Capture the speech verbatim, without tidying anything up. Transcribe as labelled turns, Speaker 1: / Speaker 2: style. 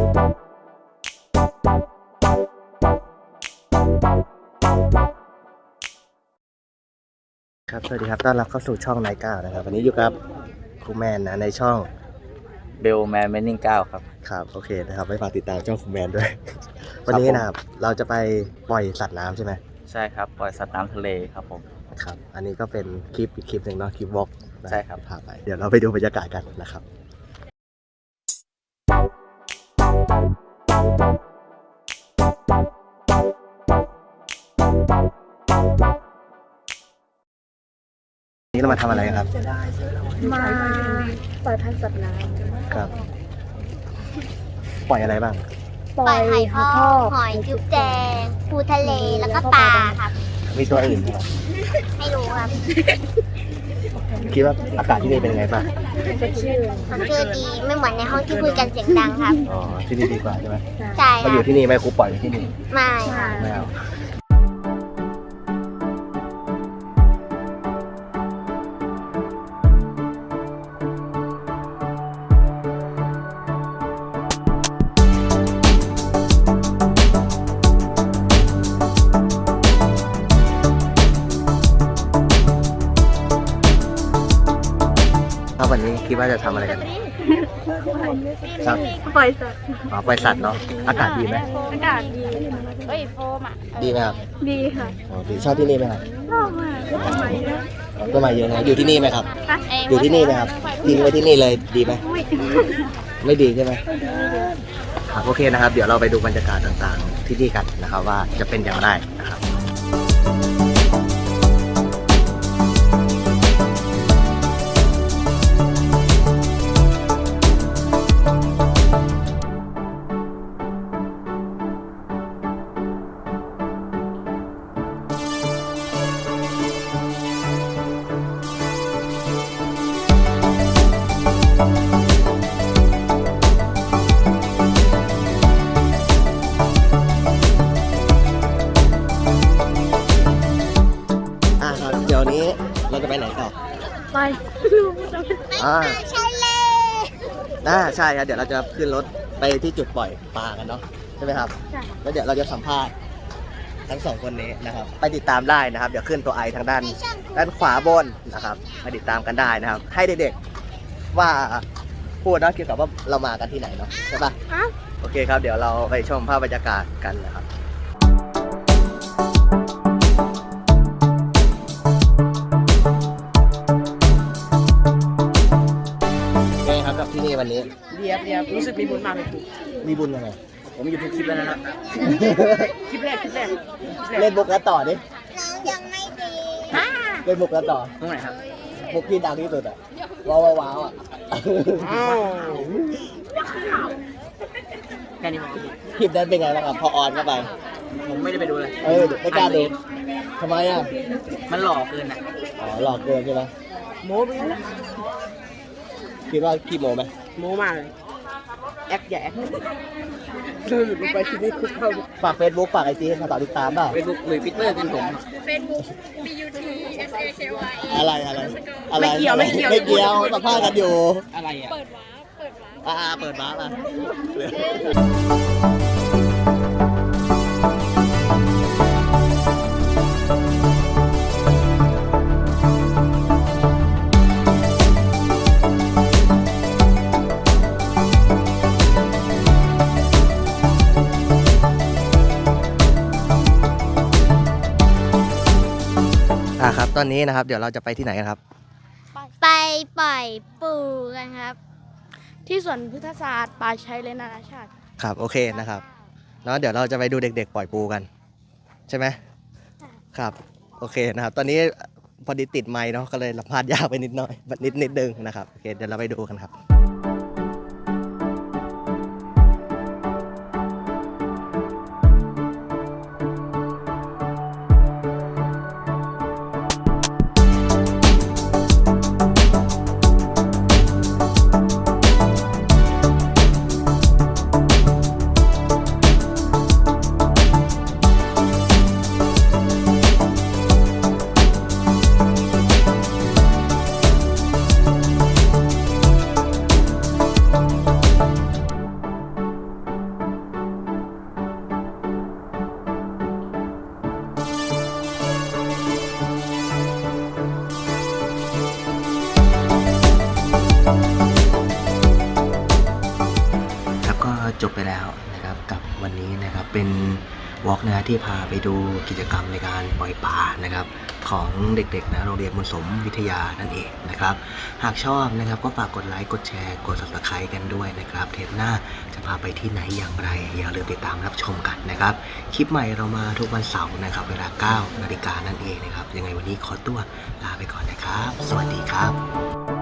Speaker 1: ครับสวัสดีครับต้อนรับเข้าสู่ช่องไนท์ก้าวนะครับวันนี้อยู่กับครูแมนนะในช่อง
Speaker 2: เบลแมนเมนนิ่งเก้าครับ
Speaker 1: ครับโอเคนะครับไปฝากติดตามช่องครูแมนด้วย วันนี้นะครับเราจะไปปล่อยสัตว์น้ำใช่ไหม
Speaker 2: ใช่ครับปล่อยสัตว์น้ำทะเลครับผม
Speaker 1: ครับอันนี้ก็เป็นคลิปอีกคลิปหนึ่งเนาะคลิปวอล์ก
Speaker 2: ใช่ครับ
Speaker 1: พาไปเดี๋ยวเราไปดูบรรยากาศกันนะครับนี่เรามาทำอะไรครับ
Speaker 3: มาปล่อยพันธุ์สัตว์น้ำ
Speaker 1: ครับปล่อยอะไรบ้าง
Speaker 3: ปล่อยหอยทาก
Speaker 4: หอยจุ๊บแจงปูทะเลแล้วก็ปลาครับ
Speaker 1: มีตัวอื่นไหมครับ
Speaker 4: ไม่รู้ครับ
Speaker 1: คิดว่าอากาศที่นี่เป็นยังไงบ้าง
Speaker 4: มันคือดีไม่เหมือนในห้องที่คุยกันเสียงดังครับ
Speaker 1: อ๋อที่นี่ดีกว่าใช่ไหม
Speaker 4: ใช่
Speaker 1: มาอยู่ที่นี่ไหมครูปล่อยอยู่ที่นี่
Speaker 4: ไม่ค่ะ
Speaker 1: ไม่เอาวันนี้คิดว่าจะทำอะไรกันครับ
Speaker 3: ปล่อยสัตว์
Speaker 1: อ๋อปล่อยสัตว์เนาะอากาศดีไหม
Speaker 3: อากาศดี
Speaker 4: เฮ้ยโฟมอ่ะ
Speaker 1: ดีไหมครับ
Speaker 3: ดีค่ะ
Speaker 1: อ๋อดีชอบที่นี่ไหมครับ
Speaker 3: ชอบมากต้นไม้เยอะ
Speaker 1: ต้นไม้เยอะนะอยู่ที่นี่ไหมครับอยู่ที่นี่ไหมครับทิ้งไว้ที่นี่เลยดีไหมไม่ดีใช่ไหมครับโอเคนะครับเดี๋ยวเราไปดูบรรยากาศต่างๆที่นี่กันนะครับว่าจะเป็นอย่างไรนะครับเดี๋ยวนี้เราจะไปไหนต่อ
Speaker 3: ไป
Speaker 1: อ่า
Speaker 4: ใช่เลย
Speaker 1: น่าใช่ครับเดี๋ยวเราจะขึ้นรถไปที่จุดปล่อยปลากันเนาะใช่ไหมครับแล้วเดี๋ยวเราจะสัมภาษณ์ทั้งสองคนนี้นะครับไปติดตามได้นะครับเดี๋ยวขึ้นตัวไอทางด้านด้านขวาบนนะครับไปติดตามกันได้นะครับให้เด็กๆว่าพูดเนาะเกี่ยวกับว่าเรามากันที่ไหนเนาะใช่ปะโอเคครับเดี๋ยวเราไปชมภาพบรรยากาศกันนะครับกับที่นี่วันนี้
Speaker 2: เรียบเรียบรู้สึกมีบุญมากเลยครู
Speaker 1: มีบุญยังไง
Speaker 2: ผมอยู่ทุกคลิปแล้วนะครับคลิปแรกคลิปแรก
Speaker 1: เล่นบุกแล้วต่อดิ
Speaker 4: น้องยังไม่ดี
Speaker 1: เล่นบุกแล้วต่อ
Speaker 2: ตรงไหนครับ
Speaker 1: บุกที่ดังที่สุดอ่ะว้าวว้าวอ่ะ
Speaker 2: แค่นี้มั้ง
Speaker 1: คลิปนั้นเป็นไงบ้างครับพอออนเข้าไป
Speaker 2: ผมไม่ได้ไปดูเลย
Speaker 1: เออไม่กล้าดูทำไมอ่ะ
Speaker 2: มันหลอกเกินอ่ะ
Speaker 1: อ๋อหลอกเกินใช่ไหม
Speaker 2: โม้ไปแล้ว
Speaker 1: คิดว่าขี้โมไหม
Speaker 2: โม้มากเลยแอคอย่าแอคเราหลุดไปชีวิตคุกเข้า
Speaker 1: ฝากเฟซบุ๊กฝากไอจีให้ต่อติดตามเปล่า
Speaker 2: เฟซบุ๊กหรือพิตเตอร์กันผม
Speaker 3: เฟซบุ๊ก B U T S A K Y
Speaker 1: อะไรอะไรอะไร
Speaker 2: ไม่เกี่ยวไม่เกี่ยว
Speaker 1: ไม่เกี่ยวสัมภาษณ์กันอยู่
Speaker 2: อะไรอ่ะ
Speaker 3: เปิดวาร์ปเปิดวาร์ป
Speaker 1: อ่าเปิดวาร์ปอ่ะครับตอนนี้นะครับเดี๋ยวเราจะไปที่ไหนกันครับ
Speaker 4: ไปปล่อยปูกันครับ
Speaker 3: ที่สวนพฤกษศาสตร์ป่าชัยเลนนานาชาติ
Speaker 1: ครับโอเคนะครับแล้วเดี๋ยวเราจะไปดูเด็กๆปล่อยปูกันใช่ไหมครับโอเคนะครับตอนนี้พอดีติดไมค์เนาะก็เลยสัมภาษณ์ยากไปนิดหน่อยนิดนิดนึงนะครับโอเคเดี๋ยวเราไปดูกันครับแล้วก็จบไปแล้วนะครับกับวันนี้นะครับเป็นวอล์กนะที่พาไปดูกิจกรรมในการปล่อยปลานะครับของเด็กๆนะโรงเรียนบุญสมวิทยานั่นเองนะครับหากชอบนะครับก็ฝากกดไลค์กดแชร์กด ซับสไครบ์ กันด้วยนะครับเทปหน้าจะพาไปที่ไหนอย่างไรอย่าลืมติดตามรับชมกันนะครับคลิปใหม่เรามาทุกวันเสาร์นะครับเวลาเก้านาฬิกานั่นเองนะครับยังไงวันนี้ขอตัวลาไปก่อนนะครับสวัสดีครับ